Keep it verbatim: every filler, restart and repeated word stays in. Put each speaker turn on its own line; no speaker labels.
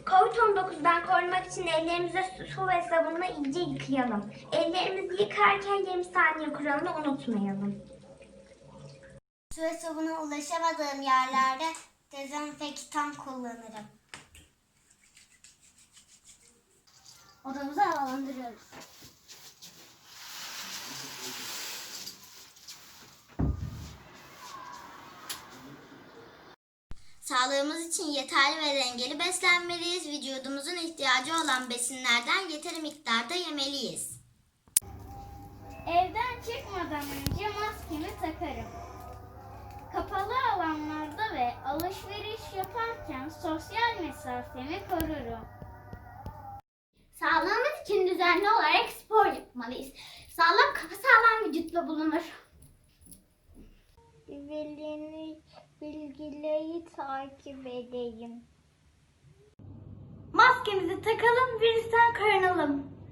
kovid on dokuzdan korunmak için ellerimizi su ve sabunla iyice yıkayalım. Ellerimizi yıkarken yirmi saniye kuralını unutmayalım.
Su ve sabuna ulaşamadığım yerlerde dezenfektan kullanırım. Odamızı havalandırıyoruz. Sağlığımız için yeterli ve dengeli beslenmeliyiz. Vücudumuzun ihtiyacı olan besinlerden yeteri miktarda yemeliyiz.
Evden çıkmadan önce maskemi takarım. Kapalı alanlarda ve alışveriş yaparken sosyal mesafemi korurum.
Sağlığımız için düzenli olarak spor yapmalıyız. Sağlam kafa sağlam vücutla bulunur.
Güvenlik bilgileri takip edeyim.
Maskemizi takalım, virüsten korunalım.